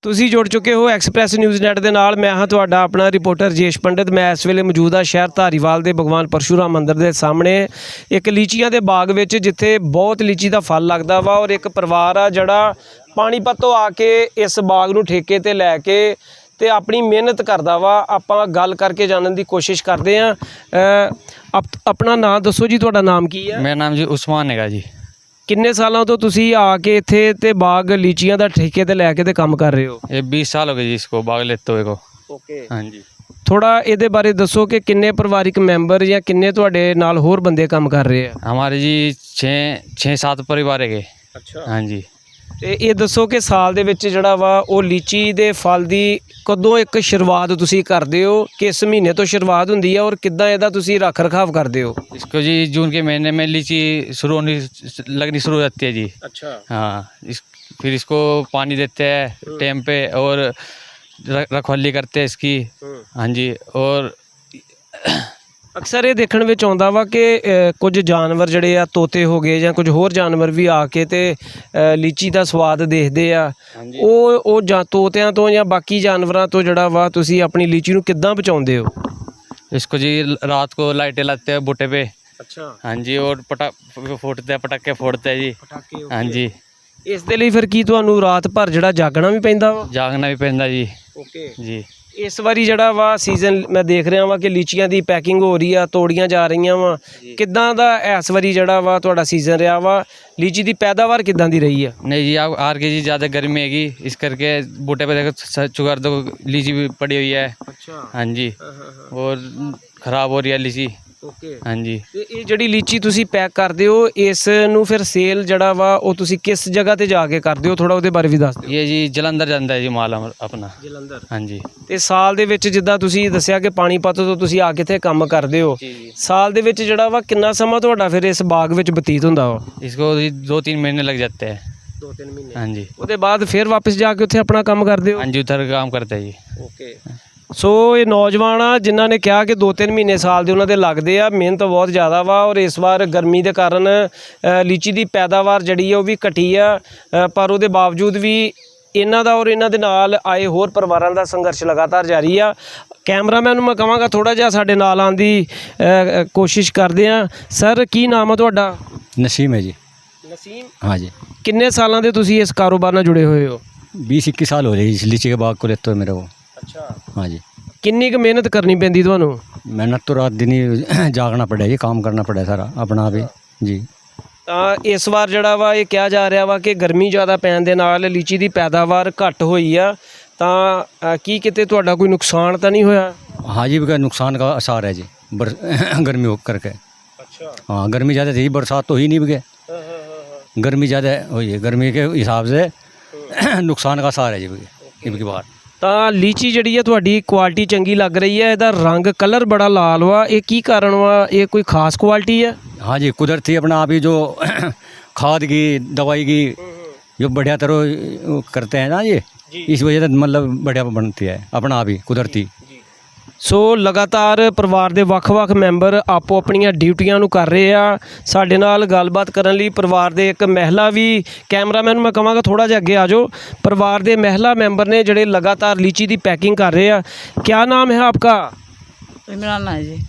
ਤੁਸੀਂ ਜੁੜ ਚੁੱਕੇ ਹੋ ਐਕਸਪ੍ਰੈਸ ਨਿਊਜ਼ ਨੈਟ ਦੇ ਨਾਲ। ਮੈਂ ਹਾਂ ਤੁਹਾਡਾ ਆਪਣਾ ਰਿਪੋਰਟਰ ਰਜੇਸ਼ ਪੰਡਿਤ। ਮੈਂ ਇਸ ਵੇਲੇ ਮੌਜੂਦ ਹਾਂ ਸ਼ਹਿਰ ਧਾਰੀਵਾਲ ਦੇ ਭਗਵਾਨ ਪਰਸ਼ੂਰਾਮ ਮੰਦਿਰ ਦੇ ਸਾਹਮਣੇ ਇੱਕ ਲੀਚੀਆਂ ਦੇ ਬਾਗ ਵਿੱਚ, ਜਿੱਥੇ ਬਹੁਤ ਲੀਚੀ ਦਾ ਫਲ ਲੱਗਦਾ ਵਾ। ਔਰ ਇੱਕ ਪਰਿਵਾਰ ਆ ਜਿਹੜਾ ਪਾਣੀਪਤ ਤੋਂ ਆ ਕੇ ਇਸ ਬਾਗ ਨੂੰ ਠੇਕੇ ਤੇ ਲੈ ਕੇ ਤੇ ਆਪਣੀ ਮਿਹਨਤ ਕਰਦਾ ਵਾ। ਆਪਾਂ ਗੱਲ ਕਰਕੇ ਜਾਣਨ ਦੀ ਕੋਸ਼ਿਸ਼ ਕਰਦੇ ਹਾਂ। ਆਪਣਾ ਨਾਮ ਦੱਸੋ ਜੀ, ਤੁਹਾਡਾ ਨਾਮ ਕੀ ਹੈ? मेरा नाम जी उस्मान हैगा जी। ਕਿੰਨੇ ਸਾਲਾਂ ਤੋਂ ਤੁਸੀਂ ਆ ਕੇ ਇੱਥੇ ਤੇ ਬਾਗ ਲੀਚੀਆਂ ਦਾ ਠੇਕੇ ਤੇ ਲੈ ਕੇ ਤੇ ਕੰਮ ਕਰ ਰਹੇ ਹੋ? ये 20 साल हो गए जी इसको बाग लेते हुए को। ਓਕੇ, हाँ जी। ਥੋੜਾ ਇਹਦੇ ਬਾਰੇ ਦੱਸੋ ਕਿ ਕਿੰਨੇ ਪਰਿਵਾਰਿਕ ਮੈਂਬਰ ਜਾਂ ਕਿੰਨੇ ਤੁਹਾਡੇ ਨਾਲ ਹੋਰ ਬੰਦੇ ਕੰਮ ਕਰ ਰਹੇ ਆ? हमारे जी 6-7 परिवार है। ਅੱਛਾ। हाँ जी। ਤੇ ਇਹ ਦੱਸੋ ਕਿ ਸਾਲ ਦੇ ਵਿੱਚ ਜਿਹੜਾ ਵਾ ਉਹ ਲੀਚੀ ਦੇ ਫਲ ਦੀ ਕਦੋਂ ਇੱਕ ਸ਼ੁਰੂਆਤ ਤੁਸੀਂ ਕਰਦੇ ਹੋ? ਕਿਸ ਮਹੀਨੇ ਤੋਂ ਸ਼ੁਰੂਆਤ ਹੁੰਦੀ ਹੈ ਔਰ ਕਿੱਦਾਂ ਇਹਦਾ ਤੁਸੀਂ ਰੱਖ ਰਖਾਵ ਕਰਦੇ ਹੋ? इसको जी जून के महीने में लीची शुरू होनी लगनी शुरू हो जाती है जी। अच्छा। हाँ, फिर इसको पानी देते हैं टाइम पे और रखवाली करते हैं इसकी। हाँ जी। और ਅਕਸਰ ਇਹ ਦੇਖਣ ਵਿੱਚ ਆਉਂਦਾ ਵਾ ਕਿ ਕੁਝ ਜਾਨਵਰ ਜਿਹੜੇ ਆ, ਤੋਤੇ ਹੋ ਗਏ ਜਾਂ ਕੁਝ ਹੋਰ ਜਾਨਵਰ ਵੀ ਆ ਕੇ ਤੇ ਲੀਚੀ ਦਾ ਸਵਾਦ ਦੇਖਦੇ ਆ। ਉਹ ਜਾਂ ਤੋਤਿਆਂ ਤੋਂ ਜਾਂ ਬਾਕੀ ਜਾਨਵਰਾਂ ਤੋਂ ਜਿਹੜਾ ਵਾ ਤੁਸੀਂ ਆਪਣੀ ਲੀਚੀ ਨੂੰ ਕਿੱਦਾਂ ਬਚਾਉਂਦੇ ਹੋ? इसको जी रात को लाइटें लाते हैं बूटे पे। ਅੱਛਾ। हाँ जी। और पटाखे फोड़ते हैं जी। ਪਟਾਕੇ। हाँ जी। ਇਸ ਦੇ ਲਈ ਫਿਰ ਕੀ ਤੁਹਾਨੂੰ ਰਾਤ ਭਰ ਜਿਹੜਾ ਜਾਗਣਾ ਵੀ ਪੈਂਦਾ ਵਾ? जागना भी पैंदा जी। ਓਕੇ जी। ਇਸ ਵਾਰੀ ਜਿਹੜਾ ਵਾ ਸੀਜ਼ਨ ਮੈਂ ਦੇਖ ਰਿਹਾ ਵਾਂ ਕਿ ਲੀਚੀਆਂ ਦੀ ਪੈਕਿੰਗ ਹੋ ਰਹੀ ਆ, ਤੋੜੀਆਂ ਜਾ ਰਹੀਆਂ ਵਾ। ਕਿੱਦਾਂ ਦਾ ਇਸ ਵਾਰੀ ਜਿਹੜਾ ਵਾ ਤੁਹਾਡਾ ਸੀਜ਼ਨ ਰਿਹਾ ਵਾ? ਲੀਚੀ ਦੀ ਪੈਦਾਵਾਰ ਕਿੱਦਾਂ ਦੀ ਰਹੀ ਆ? नहीं जी, आप आर के जी ज़्यादा गर्मी हैगी, इस करके बूटे पे देखो चुगार दो लीची भी पड़ी हुई है। ਅੱਛਾ। हाँ जी। और ख़राब हो रही है लीची। ਓਕੇ। हाँ जी। ਤੇ ਇਹ ਜਿਹੜੀ ਲੀਚੀ ਤੁਸੀਂ ਪੈਕ ਕਰਦੇ ਹੋ, ਇਸ ਨੂੰ ਫਿਰ ਸੇਲ ਜਿਹੜਾ ਵਾ ਉਹ ਤੁਸੀਂ ਕਿਸ ਜਗ੍ਹਾ ਤੇ ਜਾ ਕੇ ਕਰਦੇ ਹੋ? ਥੋੜਾ ਉਹਦੇ ਬਾਰੇ ਵੀ ਦੱਸ ਦਿਓ। ये जी जलंधर जाता है जी माल अपना। ਜਲੰਧਰ। हाँ जी। ਤੇ ਸਾਲ ਦੇ ਵਿੱਚ ਜਿੱਦਾਂ ਤੁਸੀਂ ਦੱਸਿਆ ਕਿ ਪਾਣੀਪਤ ਤੋਂ ਤੁਸੀਂ ਆ ਕੇ ਇੱਥੇ ਕੰਮ ਕਰਦੇ ਹੋ, ਸਾਲ ਦੇ ਵਿੱਚ ਜਿਹੜਾ ਵਾ ਕਿੰਨਾ ਸਮਾਂ ਤੁਹਾਡਾ ਫਿਰ ਇਸ ਬਾਗ ਵਿੱਚ ਬਤੀਤ ਹੁੰਦਾ ਵਾ? इसको जी 2-3 महीने लग जाते हैं। 2-3 ਮਹੀਨੇ। हाँ जी। ਉਹਦੇ ਬਾਅਦ ਫਿਰ ਵਾਪਸ ਜਾ ਕੇ ਉੱਥੇ ਆਪਣਾ ਕੰਮ ਕਰਦੇ ਹੋ? हाँ जी, उधर काम करते हैं जी। ਓਕੇ। ਸੋ ਇਹ ਨੌਜਵਾਨ ਆ ਜਿਨ੍ਹਾਂ ਨੇ ਕਿਹਾ ਕਿ 2-3 ਮਹੀਨੇ ਸਾਲ ਦੇ ਉਹਨਾਂ ਦੇ ਲੱਗਦੇ ਆ। ਮਿਹਨਤ ਬਹੁਤ ਜ਼ਿਆਦਾ ਵਾ। ਔਰ ਇਸ ਵਾਰ ਗਰਮੀ ਦੇ ਕਾਰਨ ਲੀਚੀ ਦੀ ਪੈਦਾਵਾਰ ਜਿਹੜੀ ਆ ਉਹ ਵੀ ਘਟੀ ਆ, ਪਰ ਉਹਦੇ ਬਾਵਜੂਦ ਵੀ ਇਹਨਾਂ ਦਾ ਔਰ ਇਹਨਾਂ ਦੇ ਨਾਲ ਆਏ ਹੋਰ ਪਰਿਵਾਰਾਂ ਦਾ ਸੰਘਰਸ਼ ਲਗਾਤਾਰ ਜਾਰੀ ਆ। ਕੈਮਰਾਮੈਨ ਨੂੰ ਮੈਂ ਕਹਾਂਗਾ ਥੋੜਾ ਜਿਹਾ ਸਾਡੇ ਨਾਲ ਆਉਣ ਦੀ ਕੋਸ਼ਿਸ਼ ਕਰਦੇ ਆ। ਸਰ, ਕੀ ਨਾਮ ਆ ਤੁਹਾਡਾ? नसीम है जी। ਨਸੀਮ। हाँ जी। ਕਿੰਨੇ ਸਾਲਾਂ ਦੇ ਤੁਸੀਂ ਇਸ ਕਾਰੋਬਾਰ ਨਾਲ ਜੁੜੇ ਹੋਏ ਹੋ? 20-21 साल हो रहे हैं इस लीची के बाग को लेते हुए मेरे को। ਅੱਛਾ। हाँ जी। ਕਿੰਨੀ ਕੁ ਮਿਹਨਤ ਕਰਨੀ ਪੈਂਦੀ ਤੁਹਾਨੂੰ? मेहनत तो रात दिन ही जागना पड़ा जी, काम करना पड़ा सारा अपना भी जी। ਤਾਂ ਇਸ ਵਾਰ ਜਿਹੜਾ ਵਾ ਇਹ ਕਿਹਾ ਜਾ ਰਿਹਾ ਵਾ ਕਿ ਗਰਮੀ ਜ਼ਿਆਦਾ ਪੈਣ ਦੇ ਨਾਲ ਲੀਚੀ ਦੀ ਪੈਦਾਵਾਰ ਘੱਟ ਹੋਈ ਆ। ਤਾਂ ਕੀ ਕਿਤੇ ਤੁਹਾਡਾ ਕੋਈ ਨੁਕਸਾਨ ਤਾਂ ਨਹੀਂ ਹੋਇਆ? हाँ जी, का नुकसान का आसार है जी गर्मी हो करके। ਅੱਛਾ। हाँ, गर्मी ज़्यादा थी, बरसात तो ही नहीं बगे। गर्मी ज़्यादा हुई है, गर्मी के हिसाब से नुकसान का आसार है जी इनकी बात। ਤਾਂ ਲੀਚੀ ਜਿਹੜੀ ਆ ਤੁਹਾਡੀ ਕੁਆਲਿਟੀ ਚੰਗੀ ਲੱਗ ਰਹੀ ਹੈ। ਇਹਦਾ ਰੰਗ ਕਲਰ ਬੜਾ ਲਾਲ ਵਾ, ਇਹ ਕੀ ਕਾਰਨ ਵਾ? ਇਹ ਕੋਈ ਖਾਸ ਕੁਆਲਿਟੀ ਹੈ? हाँ जी, कुदरती अपना आप ही जो खाद की दवाई की जो बढ़िया तरह करते हैं ना जी, इस वजह से मतलब बढ़िया बनती है अपना आप ही कुदरती। ਸੋ ਲਗਾਤਾਰ ਪਰਿਵਾਰ ਦੇ ਵੱਖ-ਵੱਖ ਮੈਂਬਰ ਆਪੋ ਆਪਣੀਆਂ ਡਿਊਟੀਆਂ ਨੂੰ ਕਰ ਰਹੇ ਆ। ਸਾਡੇ ਨਾਲ ਗੱਲਬਾਤ ਕਰਨ ਲਈ ਪਰਿਵਾਰ ਦੇ ਇੱਕ ਮਹਿਲਾ ਵੀ, ਕੈਮਰਾਮੈਨ ਨੂੰ ਮੈਂ ਕਹਾਂਗਾ ਥੋੜਾ ਜਿਹਾ ਅੱਗੇ ਆ ਜਾਓ। ਪਰਿਵਾਰ ਦੇ ਮਹਿਲਾ ਮੈਂਬਰ ਨੇ ਜਿਹੜੇ ਲਗਾਤਾਰ ਲੀਚੀ ਦੀ ਪੈਕਿੰਗ ਕਰ ਰਹੇ ਆ। क्या नाम है आपका? इमरान है जी।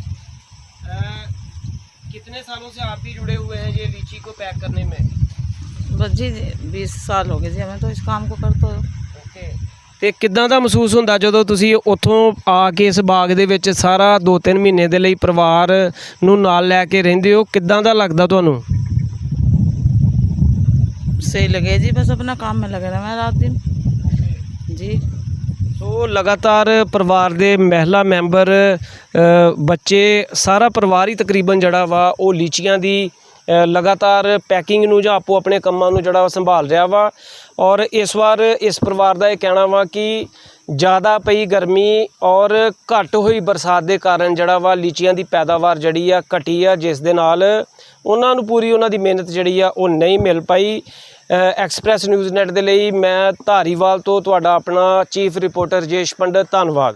कितने सालों से आप भी जुड़े हुए हैं ये लीची को पैक करने में? बस जी 20 साल हो गए जी हमें तो इस काम को करते हो। ਓਕੇ। ਤੇ ਕਿੱਦਾਂ ਦਾ ਮਹਿਸੂਸ ਹੁੰਦਾ ਜਦੋਂ ਤੁਸੀਂ ਉੱਥੋਂ ਆ ਕੇ ਇਸ ਬਾਗ ਦੇ ਵਿੱਚ ਸਾਰਾ 2-3 ਮਹੀਨੇ ਦੇ ਲਈ ਪਰਿਵਾਰ ਨੂੰ ਨਾਲ ਲੈ ਕੇ ਰਹਿੰਦੇ ਹੋ? ਕਿੱਦਾਂ ਦਾ ਲੱਗਦਾ ਤੁਹਾਨੂੰ? सही लगे जी, बस अपना काम में लगे रहे रात दिन जी। ਸੋ ਲਗਾਤਾਰ ਪਰਿਵਾਰ ਦੇ ਮਹਿਲਾ ਮੈਂਬਰ, ਬੱਚੇ, ਸਾਰਾ ਪਰਿਵਾਰ ਹੀ ਤਕਰੀਬਨ ਜਿਹੜਾ ਵਾ ਉਹ ਲੀਚੀਆਂ ਦੀ ਲਗਾਤਾਰ ਪੈਕਿੰਗ ਨੂੰ ਜਾਂ ਆਪੋ ਆਪਣੇ ਕੰਮਾਂ ਨੂੰ ਜਿਹੜਾ ਸੰਭਾਲ ਰਿਹਾ ਵਾ। ਔਰ ਇਸ ਵਾਰ ਇਸ ਪਰਿਵਾਰ ਦਾ ਇਹ ਕਹਿਣਾ ਵਾ ਕਿ ਜ਼ਿਆਦਾ ਪਈ ਗਰਮੀ ਔਰ ਘੱਟ ਹੋਈ ਬਰਸਾਤ ਦੇ ਕਾਰਨ ਜਿਹੜਾ ਵਾ ਲੀਚੀਆਂ ਦੀ ਪੈਦਾਵਾਰ ਜਿਹੜੀ ਆ ਘਟੀ ਆ, ਜਿਸ ਦੇ ਨਾਲ ਉਹਨਾਂ ਨੂੰ ਪੂਰੀ ਉਹਨਾਂ ਦੀ ਮਿਹਨਤ ਜਿਹੜੀ ਆ ਉਹ ਨਹੀਂ ਮਿਲ ਪਾਈ। ਐਕਸਪ੍ਰੈਸ ਨਿਊਜ਼ ਨੈਟ ਦੇ ਲਈ ਮੈਂ ਧਾਰੀਵਾਲ ਤੋਂ ਤੁਹਾਡਾ ਆਪਣਾ ਚੀਫ ਰਿਪੋਰਟਰ ਰਜੇਸ਼ ਪੰਡਿਤ, ਧੰਨਵਾਦ।